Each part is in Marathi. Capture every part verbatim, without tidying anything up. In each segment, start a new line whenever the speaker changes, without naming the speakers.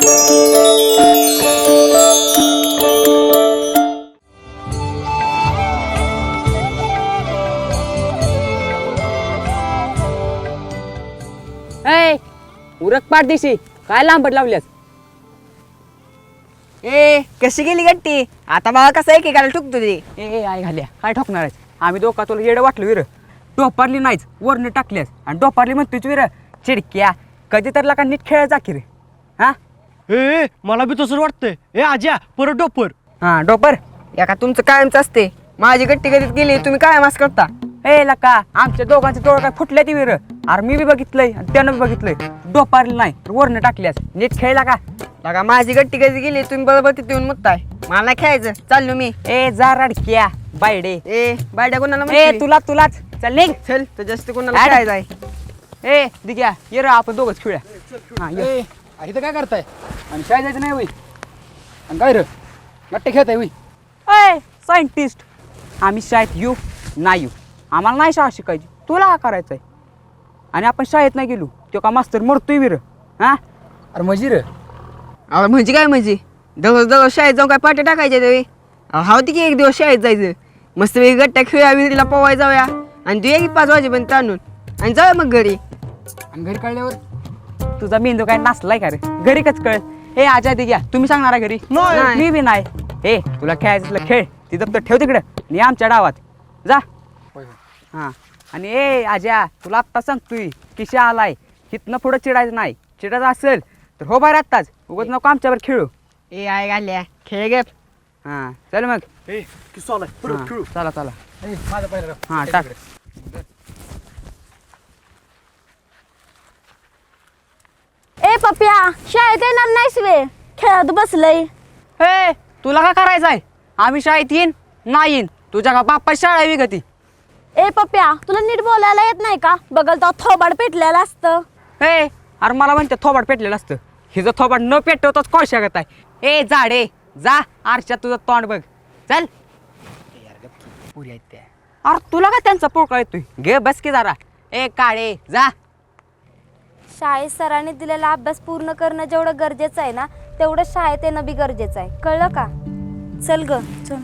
ए उरक पाठ दिशी काय लांबट लावल्यास.
ए कशी गेली गट्टी आता मला कसं एकेकाला ठुकतो ते.
ए ए आई घाल्या काय ठोकणार आहेस. आम्ही दोघा तुला येडं वाटलं विर. डोपारली नाहीच वरनं टाकल्यास आणि डोपारली म्हणतोच विर चिडक्या कधी तर लाका नीट खेळायचा की रे. हा
ए मला बी तसंच वाटतंय. ए आज्या परत डोपर.
हा डोपर
एका तुमचं कायमच असते. माझी गट्टी कधीच गेली तुम्ही काय मास करता.
ए लका आमच्या दोघांचे डोळं काय फुटल्या ती विर. अरे मी बी बघितलंय आणि त्यानं बी बघितलंय. डोपारली नाही तर वरनं टाकल्यास नीट खेळला का.
लगा माझी गट्टी कधी गेली तुम्ही बरोबर तिथे येऊन मुतताय. मला नाही खेळायचं चाललो मी.
ए जा रडक्या बायडे.
ए बायड्या कोणाला
ए
म्हणतोय?
तुला तुलाच चल निघ.
चल तर जास्त कोणाला
ऍड.
खेळायचं आहे.
ए दिग्या ये रे आपण दोघंच खेळूया. हा ये.
इथं काय करताय आणि शाळेत जायचं नाही होई आणि काय रे गट्टे खेळताय होई.
अय सायंटिस्ट आम्ही शाळेत येऊ नाही येऊ आम्हाला नाही शाळा शिकायची. तुला का करायचं आहे. आणि आपण शाळेत नाही गेलो तो का मास्तर मरतोय विर. हा
अरे मजी रे
अहो म्हणजे काय म्हणजे दररोज दररोज शाळेत जाऊन काय पाट्या टाकायच्या तरी. हा होती की एक दिवस शाळेत जायचं मस्त वेगळी गट्ट्या खेळूया विहिरीला पोवाय जाऊया आणि तू एक पाच वाजेपर्यंत आणून आणि जाऊया मग घरी.
आणि घरी कळल्यावर
तुझा मेंदू काय नाचलाय का रे. घरी कच कळ. हे आजा दिग्या तुम्ही सांगणार घरी.
नाही.
मी बी नाही. ए तुला खेळायचं असलं खेळ ती दप्तर ठेव तिकडं आणि ये आमच्या डावात जा. हां आणि ए आजा तुला आत्ता सांगतोय किशा आलाय हिथनं पुढं चिडायचं नाही. चिडायचं असेल तर हो बाहेर आत्ताच उगाच नको आमच्यावर खेळू.
ए आय घाल्या खेळ गे.
हां चल मग.
ए किस्सा आलाय परत
हां,
खेळू.
चला चला.
ए, माझं पहिलं
हां टाक.
ए पप्या शाळेत येणार नाहीस वे खेळत बसलय.
हे तुला का करायचं आहे. आम्ही शाळेत येईन नाही येईन तुझ्या का बाप्पा शाळा आहे विगती.
ए पप्या तुला नीट बोलायला येत नाही का बगल तो थोबाड पेटलेलं असतं.
हे अरे मला म्हणते थोबाड पेटलेलं असतं. हिचं थोबाड न पेटवताच कोळशा करत आहे. ए जाडे जा आरशात तुझं तोंड बघ चल.
पुरी आहेत त्या.
अरे तुला का त्यांचा पोकळ येतोय. घे बस की जरा. ए काळे जा.
शाळेत सरांनी दिलेला अभ्यास पूर्ण करणं जेवढं गरजेचं आहे ना तेवढं शाळेत येणं बी गरजेचं आहे कळलं का. चल ग चल.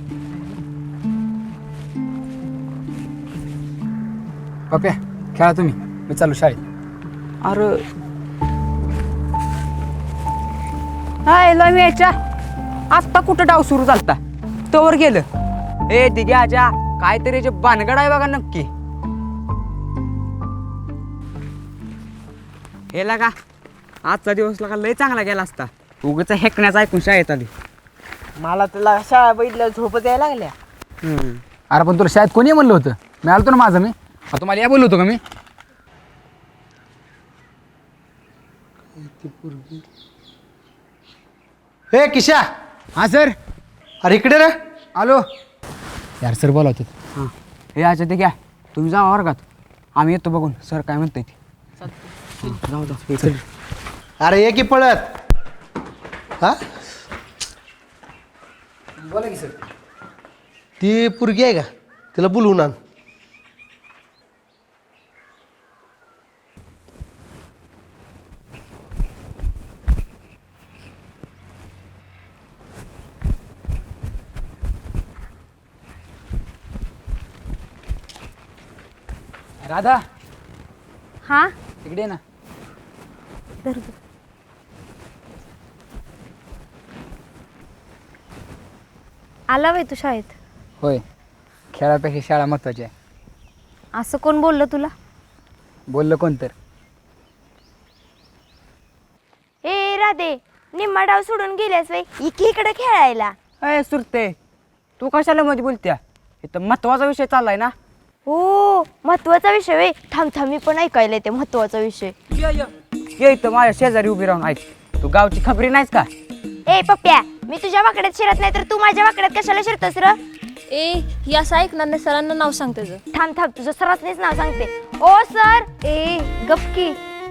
पप्या खेळा तुम्ही मी चालू शाळेत.
अरे हाय लय यायच्या आत्ता कुठं डाव सुरू झालता तोवर गेलं. ए दिग्या आजा काहीतरी जे बानगड आहे बघा नक्की. हे लागा आजचा दिवस लागा लय चांगला गेला असता. उगाच हेकण्याचा ऐकून शाळेत आली.
मला तुला शाळा बघितलं झोपच यायला लागल्या.
अरे पण तुला शाळेत कोणी म्हणलं होतं. मी आलतो ना माझं मी. अरे तुम्हाला या बोललो होतो का मी.
ए किशा.
हां सर
अरे इकडे रे.
आलो. यार सर बोलावते.
हां हे आजा दिग्या तुम्ही जा वर्गात आम्ही येतो बघून सर काय म्हणताय ते. जाऊ जाऊ.
अरे ये की पळत. हा
बोला की सर.
ती पुरगी आहे का तिला बोलवून आण.
राधा
हा
इकडे ये ना.
धर. आला वय तू शाळेत.
होय खेळापेक्षा शाळा महत्वाची आहे.
असं कोण बोललं तुला.
बोललं कोण तर.
ए राधे निम्मा डाव सोडून गेल्यास वय इकडे इकडे खेळायला.
अय सुरते तू कशाला मध्ये बोलत्या. इथं महत्वाचा विषय चाललाय ना.
हो महत्वाचा विषय वे थांब थांब मी पण ऐकायला येते महत्वाचा विषय.
ये इथं माझ्या शेजारी उभी राहून ऐक. तू गावची खबरी नाहीस का.
ए पप्प्या मी तुझ्या वाकड्यात शिरत नाही तर तू माझ्या वाकड्यात कशाला शिरतोस र.
ए ही असं ऐकणार नाही सरांना नाव सांग त्याचं.
थांब थांब तुझं सरासनीच नाव सांगते. ओ सर. ए गपकी.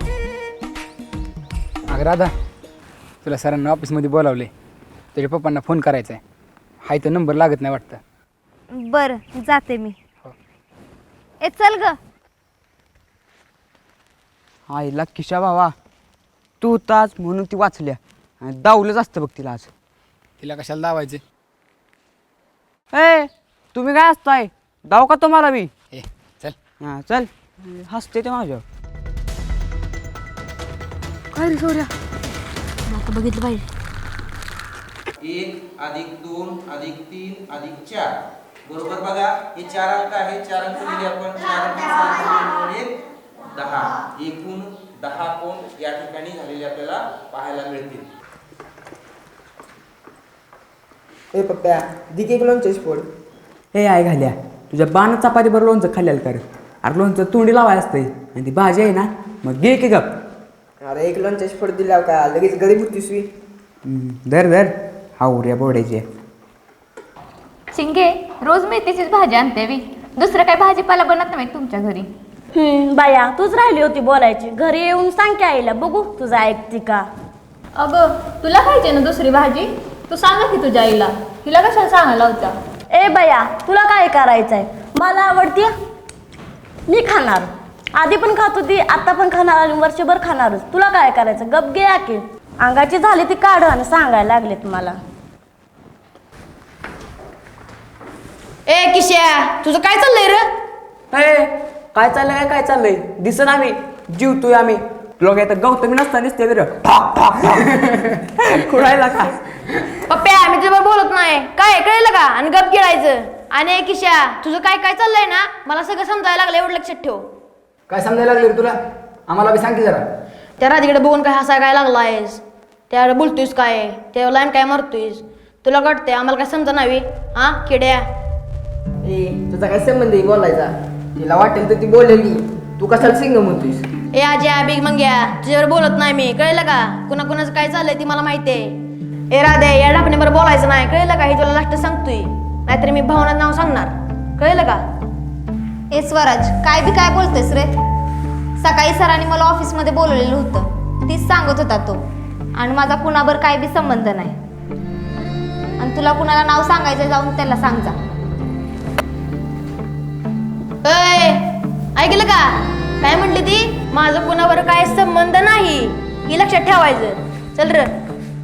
अगं राधा तुला सरांना ऑफिसमध्ये बोलावले. तुझ्या पप्पांना फोन करायचा आहे. हाय तर नंबर लागत नाही वाटतं.
बर जाते मी. ए चल ग.
आईला किशा भावा तू होताच म्हणून ती वाचल्या आणि दावलंच असतं बघ तिला आज.
तिला कशाला दावायचे?
ए तुम्ही काय असताय दाव का तुम्हाला बी?
ए चल.
हां चल हसते ते माझ्यावर.
काय रे सोऱ्या आता बघितलं पाहिजे.
एक अधिक दोन अधिक तीन अधिक चार बरोबर बघा हे चार अंक आहे. चार अंक दिले आपण. चार अंक सात, दोन, दोन, एक, दहा. एकूण दहा कोण या ठिकाणी झालेले आपल्याला पाहायला मिळतील.
ए पप्प्या दिके एक लोणचं फोड.
हे आहे घाल्या तुझ्या बाण चपाती बरं लोणचं खाल्ल्याला कर. अरे लोणचं तोंडी लावाय असतंय आणि ती भाजी आहे ना मग घे की गप.
अरे एक लोणचं फोड दिला का लगेच गरीब होतीस वी.
धर धर हावऱ्या बोडायचे.
शिंगे रोज मेथीचीच भाजी आणते मी. दुसरं काही भाजीपाला बनत नाही तुमच्या घरी.
हम्म बाया तूच राहिली होती बोलायची. घरी येऊन सांग की आईला बघू तुझं ऐकते का.
अगं तुला पाहिजे ना दुसरी भाजी? तू सांगा की तुझ्या आईला. तिला कशाला सांगायला होता?
ए बाया तुला काय करायचंय? मला आवडते मी खाणार. आधी पण खात होती आता पण खाणार आणि वर्षभर खाणारच. तुला काय करायचं? गप गे की. अंगाची झाली ती काढ आणि सांगायला लागले तुम्हाला.
ए किश्या तुझं काय चाललंय रे?
ए काय चाललंय काय काय चाललंय दिसन आम्ही जीवतोय आम्ही. लोक येतात गौतमी नसता दिसते विर खुळायला का?
पप्प्या मी तुझ्यावर बोलत नाही काय कळलं का? आणि गप गिळायचं. आणि ए किश्या तुझं काय काय चाललंय ना मला सगळं समजायला लागलं. एवढं लक्षात ठेव.
काय समजायला लागले रे तुला? आम्हाला बी सांग की जरा.
त्या राधीकडे बघून काय हसाय काय लागलायस? त्याकडे बोलतोयस काय? त्या लाईन काय मारतोयस? तुला कळतंय आम्हाला काय समजा नावी हा किड्या?
ए तुझा काय संबंध आहे बोलायचा? तिला वाटेल तर ती बोलेली. तू कशाला सिंगम होतीस?
ए आज्या बिग मंग्या तुझ्यावर बोलत नाही मी. कळलं का? कुणा कुणाचं काय चाललंय ती मला माहितीये. ए राधे या डापणीवर बोलायचं नाही. कळलं का? हे तुला लास्ट सांगतोय नाहीतर मी भावनात नाव सांगणार. कळलं का?
ए स्वराज काय बी काय बोलतेस रे? सकाळी सरांनी मला ऑफिसमध्ये बोलवलेलं होतं. तीच सांगत होता तो. आणि माझा कुणावर काय बी संबंध नाही. आणि तुला कुणाला नाव सांगायचं जाऊन त्याला सांग जा.
अय ऐकलं का? काय म्हटली ती? माझं कुणावर काय संबंध नाही हे लक्षात ठेवायचं. चल र.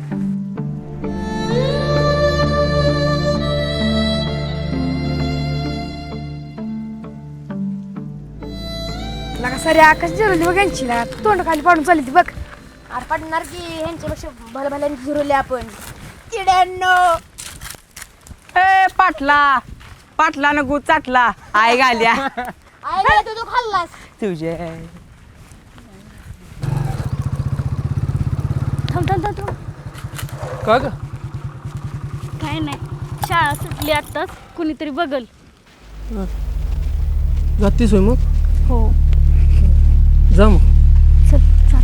सारे आकाश जिरवली बघ यांची ना. तोंड खाली पाडून चालली ती बघ. अरे पडणार की ह्यांच्यापेक्षा भल्या भल्याने जिरवले आपण. किड्यांनो
ए पाटला पाटला न गु चाटला आई घाल्या
आई तू तू खाल्लास
तुझे.
थांब थांब थांब थांब.
का ग?
काय नाही शाळा सुटली आत्ताच. कुणीतरी बघल.
जातीस होय मग?
हो
जा मग.
चल चल.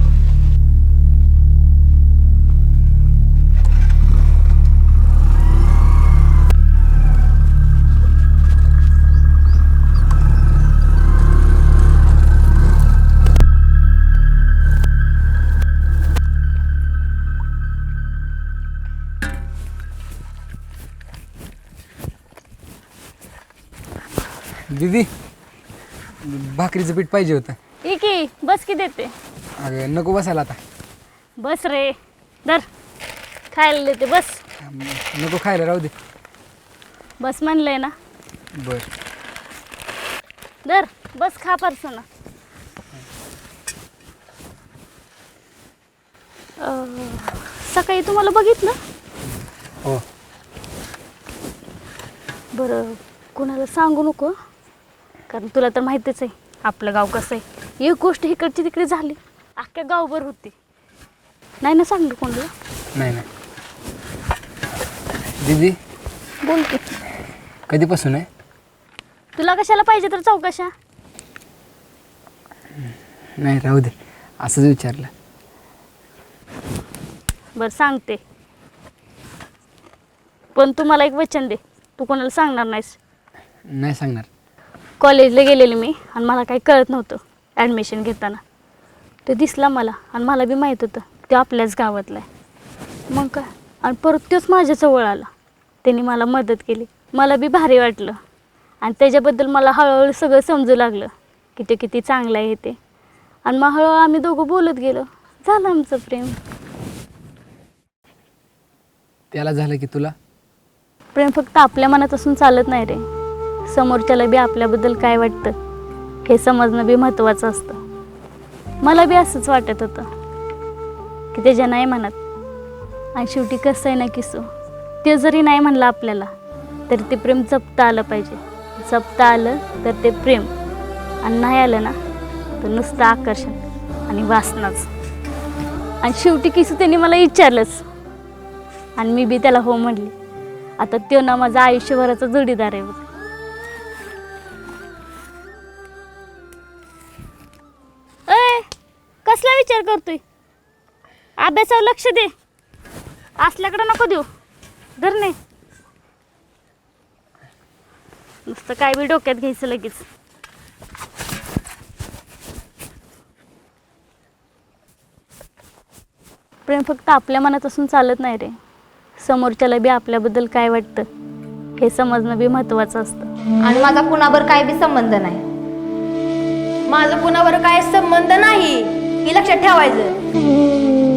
दीदी भाकरीचं पीठ पाहिजे होतं.
की बस की देते.
अगं नको बसायला आता.
बस रे धर खायला देते बस.
नको खायला राहू दे.
बस म्हणलंय ना.
बर
धर बस खा परसना. सकाळी तुम्हाला बघितलं.
हो.
बरं कोणाला सांगू नको कारण तुला तर माहितीच आहे आपलं गाव कसं आहे. एक गोष्ट इकडची तिकडे झाली अख्ख्या गावभर होती. नाही ना सांगलं कोणाला?
नाही नाही. दीदी
बोल की.
कधीपासून आहे?
तुला कशाला पाहिजे तर चौकशा.
नाही राहू दे असंच विचारलं.
बरं सांगते पण तू मला एक वचन दे. तू कोणाला सांगणार नाहीस.
नाही सांगणार.
कॉलेजला गेलेले मी आणि मला काही कळत नव्हतं ॲडमिशन घेताना. तो दिसला मला आणि मला बी माहीत होतं तो आपल्याच गावातला आहे. मग काय आणि परत तोच माझ्या जवळ आला. त्यांनी मला मदत केली. मला बी भारी वाटलं आणि त्याच्याबद्दल मला हळूहळू सगळं समजू लागलं की ते किती चांगलं आहे ते. आणि मग हळूहळू आम्ही दोघं बोलत गेलो. झालं आमचं प्रेम.
त्याला झालं की तुला
प्रेम फक्त आपल्या मनात असून चालत नाही रे. समोरच्याला बी आपल्याबद्दल काय वाटतं हे समजणं बी महत्त्वाचं असतं. मला बी असंच वाटत होतं की त्याच्या नाही म्हणत. आणि शेवटी कसं आहे ना किसू, ते जरी नाही म्हणलं आपल्याला तरी ते प्रेम जपता आलं पाहिजे. जपता आलं तर ते प्रेम, आणि नाही आलं ना तर नुसतं आकर्षण आणि वासनाच. आणि शेवटी किसू त्यांनी मला विचारलंच आणि मी बी त्याला हो म्हणली. आता तो ना माझा आयुष्यभराचा जोडीदार आहे. ए कसला विचार करतोय? अभ्यासावर लक्ष दे, असल्याकडे नको देऊ. धर नाही नुसतं काय बी डोक्यात घ्यायचं लगेच. प्रेम फक्त आपल्या मनात असून चालत नाही रे. समोरच्याला बी आपल्याबद्दल काय वाटतं हे समजणं बी महत्त्वाचं असतं.
आणि माझा कुणाबर काय बी संबंध नाही.
माझं कुणावर काय संबंध नाही हे लक्षात ठेवायचं.